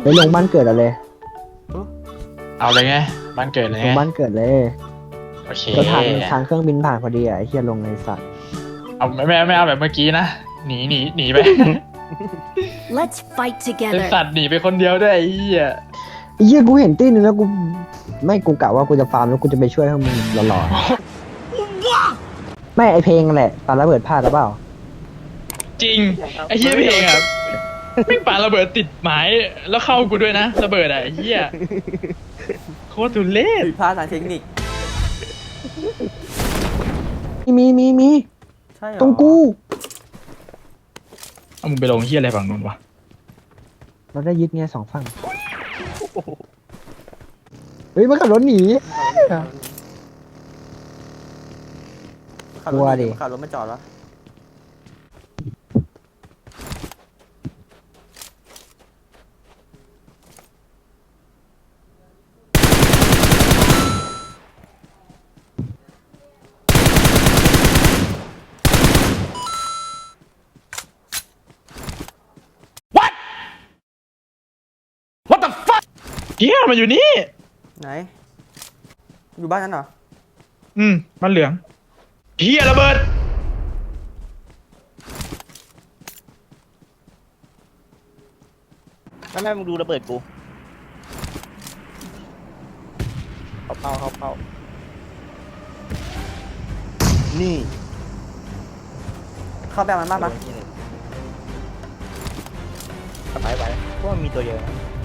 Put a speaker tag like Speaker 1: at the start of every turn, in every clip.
Speaker 1: ไปลงบ้านเกิดอะไร
Speaker 2: เอาเลยไงบ้านเกิดเลย
Speaker 1: ล
Speaker 2: ไง
Speaker 1: งบ้านเกิดเลย
Speaker 2: โอเค
Speaker 1: ก็ทางเครื่องบินผ่านพอดีอ่ะไอ้เฮียลงในสัตว์
Speaker 2: เอาไม่เอาแบบเมื่อกี้นะหนีไป
Speaker 3: Let's fight
Speaker 2: ไอ
Speaker 3: together.
Speaker 2: สัตว์หนีไปคนเดียวด้วยไอ้เหี้ย
Speaker 1: ไอ้เฮียกูเห็นตีนึงแล้วกูไม่กูกะว่ากูจะฟาร์มแล้วกูจะไปช่วยพวกมึงหล่อๆไม่ไอเพลงแหละปาระเบิดพลาดหรือเปล่า
Speaker 2: จริงไอ้เหี้ยเพลงอ่ะไม่ปาระเบิดติดหมายแล้วเข้ากูด้วยนะระเบิดอ่ะไอ้เหี้ยโคตรทุเรศ
Speaker 4: ผิดพลาดทางเทคนิค
Speaker 1: มี
Speaker 4: ใช่เหรอ
Speaker 1: ตรงกู
Speaker 2: เอามึงไปลงเหี้ยอะไรฝั่งนู้นวะ
Speaker 1: เราได้ยึดไงสองฝั่งเฮ้ยมันขับรถหนี
Speaker 4: ขับ
Speaker 1: กลัว
Speaker 4: รถ
Speaker 1: ดิ
Speaker 4: ขับรถมาจอดแล้ว
Speaker 2: เหี้ยมันอยู่นี่
Speaker 4: ไหน อยู่บ้านนั้นเหรอ
Speaker 2: บ้านเหลืองเหี้ยระเบิด
Speaker 5: ไม่มึงดูระเบิดกูเข้านี่
Speaker 4: เข้าแบบมันบ้างปะ
Speaker 5: ไปเพราะมันมีตัวเยอะ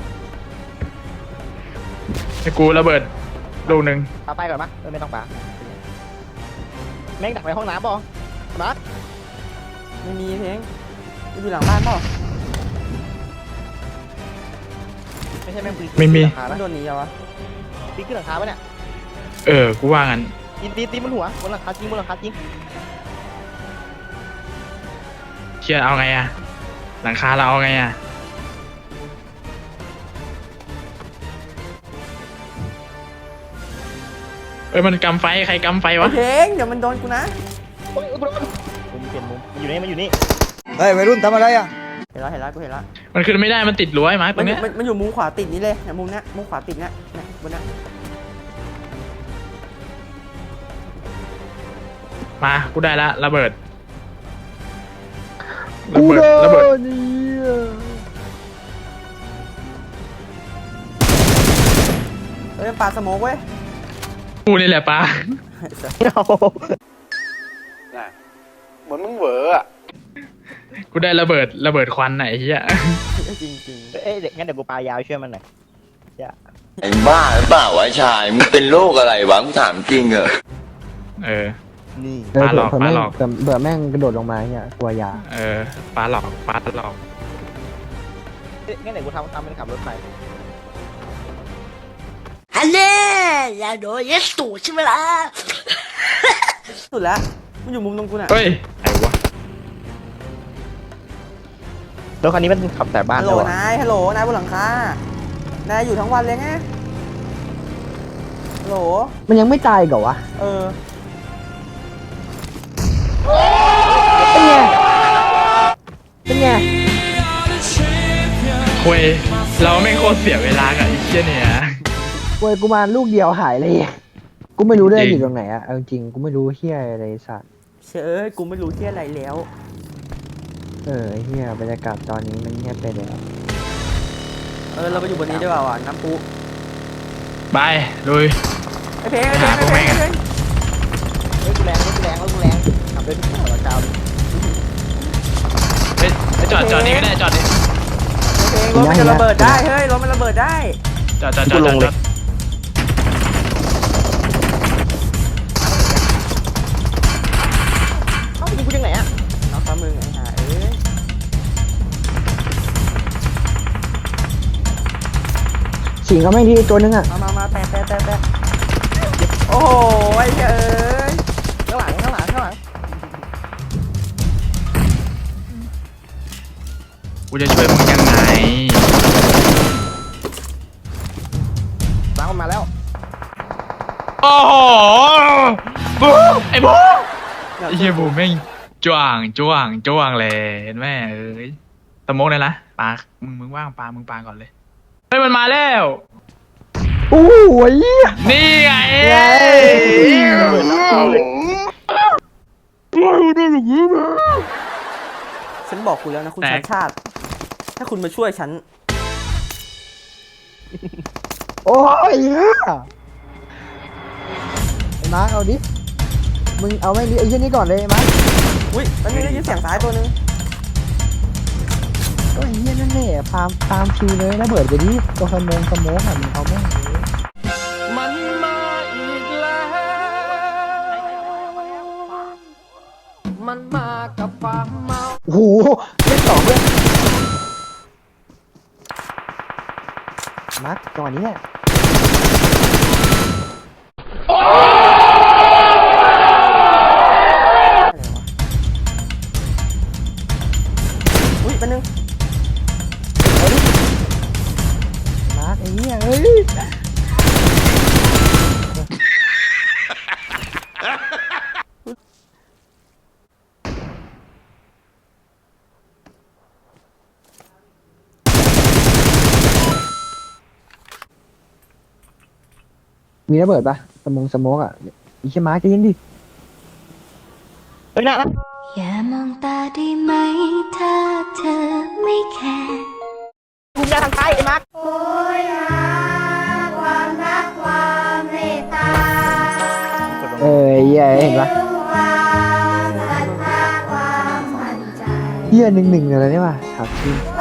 Speaker 2: ไอ้กูระเบิดลูกหนึ่ง
Speaker 5: ปาไปก่อนปะไม่ต้องปาแม่งดักในห้องน้ำป่ะมาร์ค
Speaker 4: ไม่มีเพลงอยู่หลังบ้านเปล่า
Speaker 5: ไม่ใช่แม่งปีน
Speaker 2: ไม่มี
Speaker 5: หลังคา
Speaker 4: มั
Speaker 5: ปะ
Speaker 4: นโดนหนีเหรอวะ
Speaker 5: ปีนขึ้นหลังคาปะเนี่ย
Speaker 2: กูว่างั้น
Speaker 5: ตีบนหัวบนหลังคาจริงบนหลังคาจริง
Speaker 2: เชี่ยเอาไงอะหลังคาเราเอาไงอะมันกำไฟใครกำไฟวะ
Speaker 4: เพลงเดี๋ยวมันโดนกูนะ
Speaker 5: มุมเปลี่ยนมุมมันอยู่นี่
Speaker 6: เฮ้ยวัยรุ่นทำอะไรอ่ะ
Speaker 4: เห็นแล้วกูเห็นแล้ว
Speaker 2: มันขึ้นไม่ได้มันติดรั้วไอ้มาร์คต
Speaker 4: มั
Speaker 2: ร
Speaker 4: น
Speaker 2: งเนี้ย
Speaker 4: มันอยู่มุมขวาติดนี้เลยเนี่ยมุมเนี้ยมุมขวาติดเนี้ยเนี่ยบนเนี้ย
Speaker 2: มากูได้ละระเบิด
Speaker 1: กูโด
Speaker 2: ระเบิด
Speaker 1: นนี่
Speaker 4: เฮ้ยมันปาสโมกเว้ย
Speaker 2: กูนี่แหละปา
Speaker 6: เหมือนมึงเหวออ่ะ
Speaker 2: กูได้ระเบิดควันไหนเฮีย
Speaker 4: จริงจริง
Speaker 5: เด็กงั้นเดี๋ยวกูปายาวช่วยมันหน่อย
Speaker 7: ไอ้บ้าหรือเปล่าวะชาย มึงเป็นโรคอะไรวะมึงถามจริงเหรอ
Speaker 5: นี่
Speaker 1: เผื่อ
Speaker 2: ปาหลอก
Speaker 1: เผื่อแม่ง
Speaker 2: ปาหลอก
Speaker 1: เผื่อแม่งกระโดดลงมาเนี่ยกลัวยา
Speaker 2: ปาหลอก
Speaker 5: งั้นเดี๋ยวกูทำเป็นขับรถไฟ
Speaker 3: ฮัลโหลอย่าโดนยัดสูใช่ไหมล่ะ
Speaker 4: สุดแล้วมันอยู่มุมตรงกูน่ะ
Speaker 2: เฮ้ยไอ้วะ
Speaker 5: รถคันนี้มันขับแต่บ้าน
Speaker 4: ฮัลโหล
Speaker 5: เลยวะ
Speaker 4: นายฮัลโหลนายบนหลังคานายอยู่ทั้งวันเลยไงฮัลโหล
Speaker 1: มันยังไม่ตายอีกเหรอวะ
Speaker 4: เออ
Speaker 1: เป็นไงเป็นไง
Speaker 2: คุยเราไม่งโคตรเสียเวลากับไอ้เชี่ยเนี่ย
Speaker 1: เว้ยกูมาลูกเดียวหายเลยกูไม่รู้ด้วย
Speaker 2: จริง
Speaker 1: อยู่ตรงไหนอะเอาจริงกูไม่รู้เฮียอะไรสัตว์
Speaker 4: เชยกูไม่รู้ที่อะไรแล้ว
Speaker 1: ไอ้เฮียบรรยากาศตอนนี้มันเงียบไปแล้ว
Speaker 4: เราไปอยู่บนนี้ได้เปล่าอ่ะน้ำพุ
Speaker 2: ไปลุย
Speaker 4: ไอ้เพลง
Speaker 2: ไปหาพวกแม่งอะ
Speaker 5: เฮ้ยกูแรงขับด้วยที่หัวเจ้า
Speaker 2: ไปจอดนี่ก็ได้จอดนี่
Speaker 4: เพลงรถมันจะระเบิดได้เฮ้ยรถมันระเบิดได้
Speaker 2: จอด
Speaker 5: เอ้ายิงกูยังไงอ่ะ
Speaker 4: เอาฟ้ามึงไอ้ห่าเอ้ย
Speaker 1: สิงเขาแม่งที่ตัวนึงอะ
Speaker 4: มาแตะโอ้โหไอ้เอ้ย
Speaker 5: ข้างหลัง
Speaker 2: กูจะช่วยมึงยังไง
Speaker 5: ล้างมันมาแล้ว
Speaker 2: โอ้โหบูไอ้บูไอ้เหี้ยบูแม่งจ้วงเลยเห็นไหมเอ้ยสโมกเลยนะปามึงว่างปามึงปาก่อนเลยเฮ้ยมันมาแล้ว
Speaker 1: โอ้ย
Speaker 2: นี่ไง
Speaker 4: ฉันบอกคุณแล้วนะคุณชาติชาติ ถ้าคุณมาช่วยฉัน
Speaker 1: โอ้ยไอ้มาร์คเอาดิมึงเอาไม่ดิไอ้เช่นนี้ก่อนเลยไอ้มาร์ค
Speaker 4: อุ้ยมันมีได้ยินเสียงซ้ายตัวนึง
Speaker 1: ก็ไอ้เหี้ยนั่นแหละตามคิวเลยระเบิดไปดิตัวสมองอ่ะมึงเอาแม่งเลย
Speaker 5: มันมาอีกแล้วมันมากับความเมา
Speaker 1: โอ้โหเล่นต่อเพื่อนมาร์คจังหวะนี้แหละ
Speaker 4: อุ้ยแป๊บนึง
Speaker 1: มาร์คไอ้เหี้ยเอ้ย มีระเบิดปะสโมกอ่ะอีเชี่ยมาร์คใจเย็นดิ
Speaker 5: เฮ้ยนะ
Speaker 3: อย่ามองตาได้ไหมถ้าเธอไม่แคร์
Speaker 5: กูยาทางซ้ายไอ้มาร์ค
Speaker 3: โอ้ยหาความรักความเมตตา
Speaker 1: เอ้ยเหี้ยเห็นปะ
Speaker 3: ความศรัทธาความมั่นใจ
Speaker 1: เหี้ยหนึ่งอะไรเนี่ยว่ะถามจริง